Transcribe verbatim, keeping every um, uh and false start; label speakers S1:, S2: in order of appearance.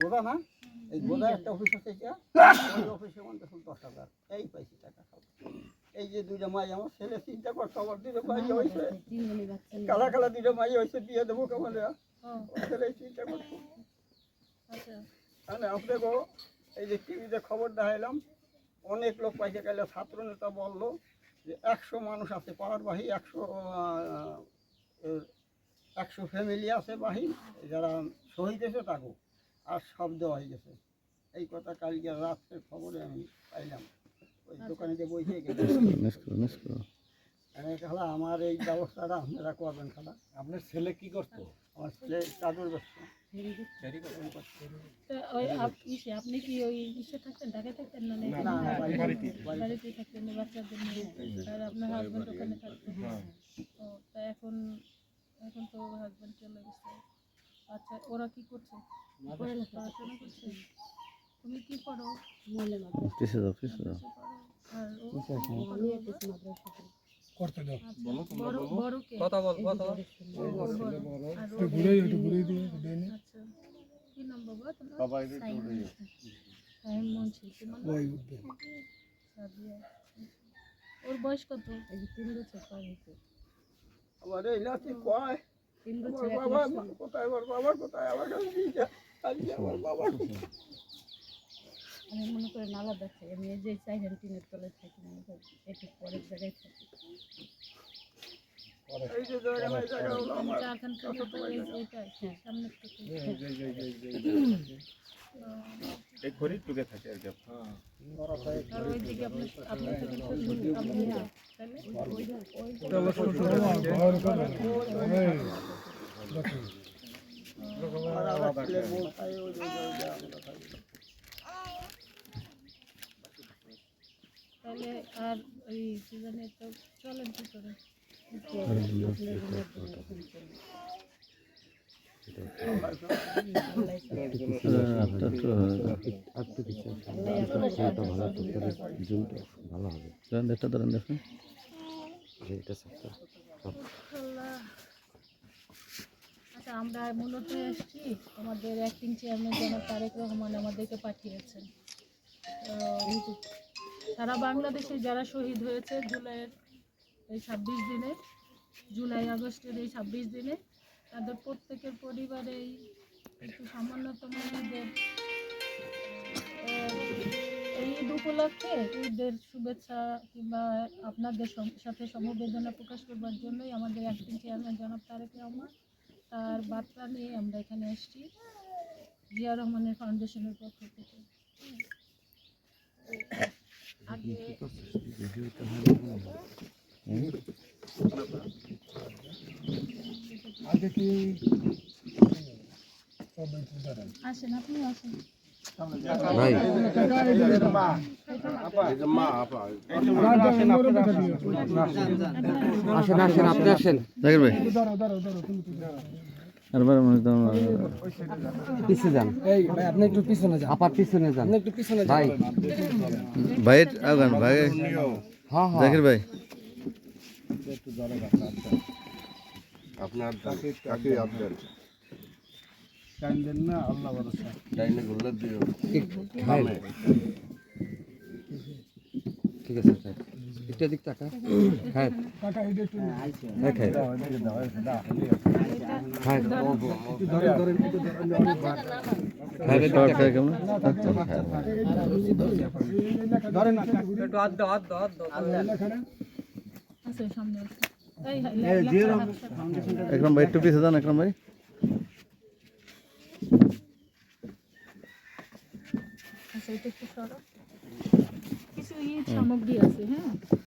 S1: গোদা না এই গোদা একটা অফিস আছে এটা ওই অফিসে মধ্যে শুধু দশ হাজার এই পাইছি টাকা সব এই যে দুইটা মাই আমার ছেলে চিন্তা করছে আমার দুটো মাই হয়েছে কালা কালা দুটো মাই হয়েছে দিয়ে দেবো কেমন ছেলে চিন্তা করছে মানে আপনাকেও এই যে টিভিতে খবর দেখাইলাম অনেক লোক পাইছে গেলে ছাত্র নেতা বললো যে একশো মানুষ আছে পাড়ার বাহি একশো একশো ফ্যামিলি আছে বাহি যারা শহীদ হয়েছে তাকেও আর সব দেওয়া হয়ে গেছে এই কথা কালকে রাত্রের খবরে আমি পাইলাম ওই দোকানে যে বইছে খালা আমার এই ব্যবস্থাটা আপনারা করবেন খালা।
S2: আপনার ছেলে কি করতো?
S1: আমার ছেলে চাদর ব্যবসা।
S3: আপনি কি ওই ইসে থাকতেন ঢাকায় থাকতেন না বাড়িতে থাকতেন বাচ্চাদের নিয়ে আর আপনার হাজবেন্ড ওখানে থাকতেন? ও তা এখন এখন তো হাজবেন্ড চলে গেছে। আচ্ছা ওরা কি করছে? পড়াশোনা করছে। তুমি কি করো?
S2: করতে দাও
S3: বড় বড় কে
S2: কথা বল কথা বল
S3: একটু ঘুরে একটু ঘুরে দিয়ে দেন। আচ্ছা কি নাম বাবা তোমার? বাবা এই তো টাইম মনছি তোমার ওই উঠবে সাদিয়া। ওর বয়স কত? এই তিন বছর পার হয়েছে।
S1: আমার এই নাতি কয়
S3: তিন বছর
S1: বাবা কোথায় আমার বাবা কোথায় আমার কাছে দিয়ে আজকে আমার বাবা
S3: আমি মনে করি নালা দেখে আমি এই যে চাইলেন টিনের তলে থাকি মনে করি একটু পরের জায়গায় থাকি
S1: এই যে জায়গা জায়গা হলো আমার
S3: চারখান পর্যন্ত এইটাই সামনে থেকে
S4: এই ঘড়ি টুকে থাকে আর কি।
S2: হ্যাঁ
S3: আর ওই দিকে আপনি আপনি থেকে শ্বশুর আপনি তাহলে ওই ওই
S2: চলো শ্বশুর ঘর করে
S1: আর আমার ছেলে বউ খায় ওই যে জায়গা আমরা খাই।
S3: তাহলে আর ওই সিজনে তো চলেন কি করে?
S5: ভালো হবে একটা ধরেন দেখুন
S3: আচ্ছা আমরা মূলত এসেছি আমাদের অ্যাক্টিং চেয়ারম্যান জনাব তারেক রহমান আমাদেরকে পাঠিয়েছেন। সারা বাংলাদেশে যারা শহীদ হয়েছে জুলাইয়ের এই ছাব্বিশ দিনে জুলাই আগস্টের এই ছাব্বিশ দিনে তাদের প্রত্যেকের পরিবারেই একটু সামান্যতম ঈদের এই ঈদ উপলক্ষে ঈদের শুভেচ্ছা কিংবা আপনাদের সাথে সমবেদনা প্রকাশ করবার জন্যই আমাদের অ্যাক্টিং চেয়ারম্যান জনাব তারেক রহমান তার বার্তা নিয়ে আমরা এখানে এসেছি জিয়া রহমানের ফাউন্ডেশনের পক্ষ থেকে। আগে
S2: আগে কি
S3: আসেন আপনি আসেন
S5: ভাই আসেন আসেন আপনি আসেন জাকির ভাই পিছিয়ে যান
S2: এই ভাই আপনি একটু পিছনে যান
S5: আপার পিছনে যান
S2: আপনি একটু পিছনে যান
S5: ভাই
S4: ভাই আগান ভাই
S5: হ্যাঁ হ্যাঁ
S4: জাকির ভাই
S6: আপনার কাকে আপনার
S2: টাইম দেন না আল্লাহ ভরসা
S6: ডাইনে গোল্লার দিও
S5: ভাই ঠিক আছে স্যার একটু দিক টাকা হ্যাঁ
S2: টাকা এটা একটু
S5: হ্যাঁ খাই হ্যাঁ
S2: ধরেন ধরেন একটু
S5: খাইবে শর্ট থাকে কেমন
S2: ধরেন একটু হাত দাও হাত দাও হাত দাও
S3: আসেন সামনে আসেন এই জিয়া ফাউন্ডেশনটা
S4: একদম ভাই একটু পিছিয়ে যান একদম ভাই
S3: আচ্ছা এটা একটু সরো কিছু ঈদ সামগ্রী আছে হ্যাঁ।